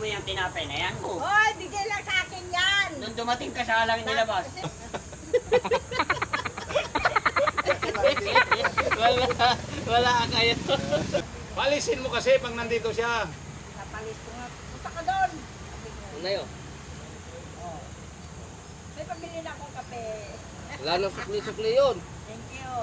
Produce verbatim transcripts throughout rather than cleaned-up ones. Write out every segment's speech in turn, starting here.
mo yung tinapay na yan? Oh. Hoy, bigay lang sa akin yan. Nung dumating ka sa lang nilabas. Wala, wala kayo. Palisin mo kasi pag nandito siya. Napalis ko nga. Punta ka doon. Ano yun? May pamili na akong kape. Wala nang sukli-sukli yun. Thank you.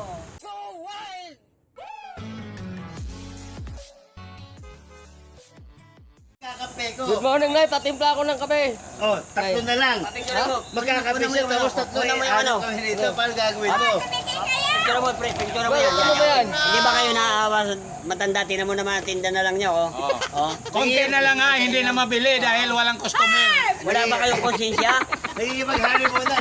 Kakape ko. Good morning, Nay. Patimpla ako ng kape. Oh, tatlo na lang. Picture mo. Magkakape siya, tapos tatlo Una eh. mo yung ano. Ano kami nito? Paano gagawin mo? Picture mo, pre. Picture mo Wait, yan. ano ba yan? Hindi ba kayo naaawa sa matanda? Tinan mo naman, tinda na lang niya, oh. Oh. Konti na lang ha, hindi na mabili dahil walang customer. Wala ba kayong konsensya? Nagigimaghari mo na.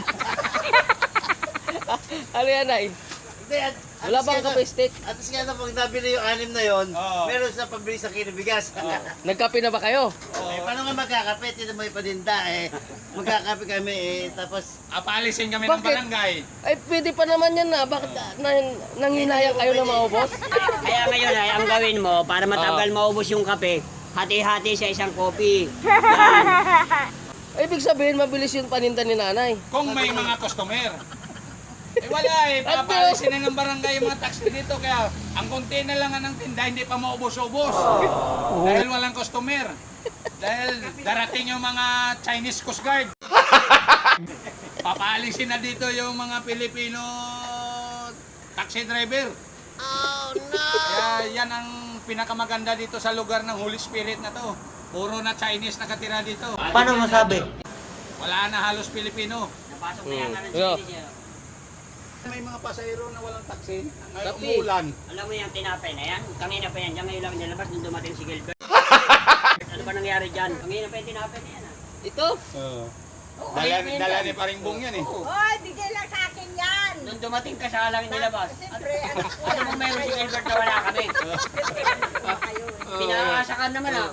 Ano yan, Nay? Hindi, at, at Wala least bang kaya kape na- stick? At least kaya na pag nabili yung anim na yon, Oo. meron sa pambili sa kinabigas. Nagkape na ba kayo? Eh, paano nga magkakape? Tito mo ipadinda eh. Magkakape kami eh, tapos... Apalisin kami ng Bakit? barangay. Ay, pwede pa naman yan na. Bakit ah, nang, nanghinayang kayo na maubos? Kaya ngayon ay ang gawin mo para matagal maubos yung kape, hati-hati sa isang kopi. Yan. Ibig sabihin, mabilis yung paninda ni nanay. Kung may mga customer. Eh wala eh, papalisin na ng barangay yung mga taxi dito. Kaya ang konti na lang ng tinda, hindi pa maubos-ubos. Dahil walang customer. Dahil darating yung mga Chinese Coast Guard. Papalisin na dito yung mga Pilipino taxi driver. Oh no! Kaya yan ang pinakamaganda dito sa lugar ng Holy Spirit na to. Puro na Chinese nakatira dito. Paano masabi? Wala na halos Pilipino. Napasok na yan ng Yeah. Chinese, eh. May mga pasahero na walang taxi. Ngayon Tapi. umulan. Alam mo yung tinapay na yan? Kanina pa yan, diyan ngayon lang nilabas nung dumating si Gilbert. Ano ba nangyari dyan? Kanina pa yung tinapay na yan, ah. Ito? Oo. Oo, Dala, kanina pa yan dala dyan. ni Paringbong yan eh. Oo. Hoy, bigay lang sa akin yan. Nung dumating ka sa lang nilabas. Siyempre, anak ko Ano yan. mo mayroon si Gilbert na wala kami? Siyempre, anak ko kayo eh. Pinaasakan naman, ah.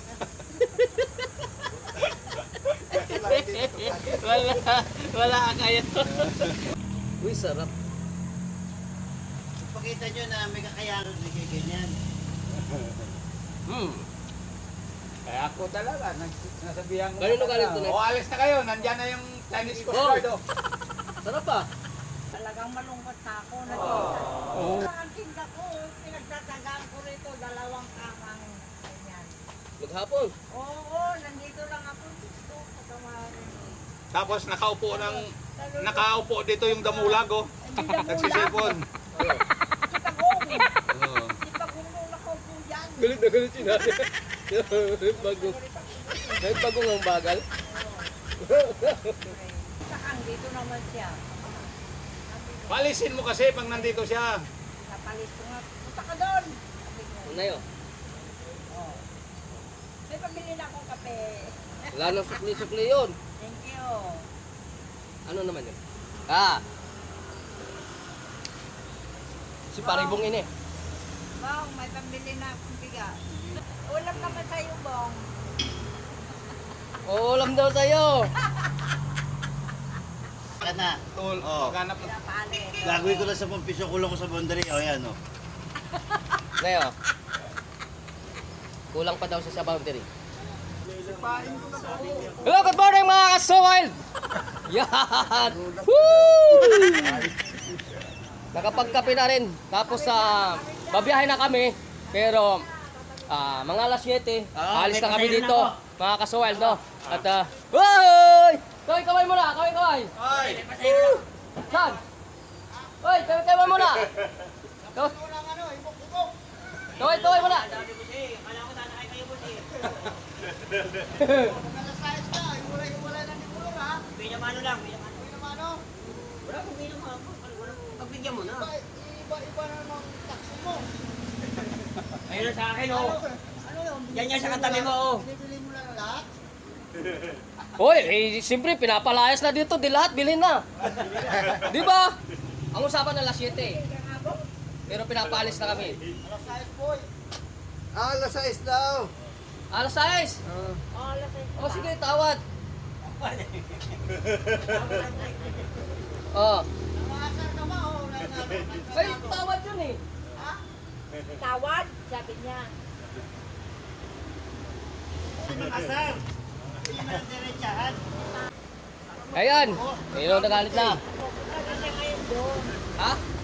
wala, wala kayo. Uy, sarap. Pakita nyo na may kakayanan na kayo ganyan. Hmm. Kaya ako talaga, nas- nasabihan ko. Kanino na galing talaga. to, Nek? O alis na kayo, nandyan na yung Chinese Coast Oh. Guard. Oh. Sarap ah. Talagang malungkot na ako. Oh. Ang tinda ko, pinagtatagaan ko rito, dalawang kamang ganyan. Maghapon. Oo, nandito lang ako dito. Patawarin. Tapos nakaupo ng nakaupo dito yung damulag oh. Nagsisipon. Si Tagong. Oo. Si Tagong nung nakaupo yan. Galit na galit si nanay. Bagong. Kahit bagong ang bagal. Sakang dito naman siya. Palisin mo kasi pag nandito siya. Napalis ko nga. Punta ka doon. Ano yun? May pamili na akong kape. Wala nang sukli-sukli yun. Thank you. Ano naman yun? Ah! Si Paringbong ini. Bong, may pambili na akong bigas. Ulam naman sa'yo, Bong. Ulam daw sa'yo. Ka na. Tol, Oh. maghanap ng Pinapalit. Gagawin ko lang sa pampiso, kulong ko sa boundary. O yan o. Ngayon. Kulang pa daw siya sa boundary. Hello, good morning mga ka-so-wild! Yan! Woo! Nakapagkape na rin. Tapos sa babiyahe na kami. Pero ah, mga alas siyete, alis na kami dito. Mga ka-so-wild, no? At ah, Hoy! Kaway, kaway muna! Kaway, kaway! Ay! Saan? Hoy, kaway, kaway muna! Kaway, kaway, kaway muna! Sabi ko siya, eh, akala ko tanakay kayo po siya. Pinamano lang, pinamano. Wala kang pinamano. Pagbigyan mo na. Iba-iba na naman taxi mo. Ayun na sa akin, oh. Yan yan sa katabi mo, oh. Bibili mo lang lahat? Hoy, eh, siyempre, pinapalayas na dito. Di lahat, bilhin na. Di ba? Ang usapan na alas siyete. Pero pinapaalis na kami. Ah, alas sais daw. Alas sais. O sige, tawad. Oh. Nangasar ka ba? Oh, Ay, tawad yun eh. Tawad, sabi niya. Sino kasar? Sino ang diretsahan? Ayan. Ayun, nagalit na. Kasi ngayon doon. Ha?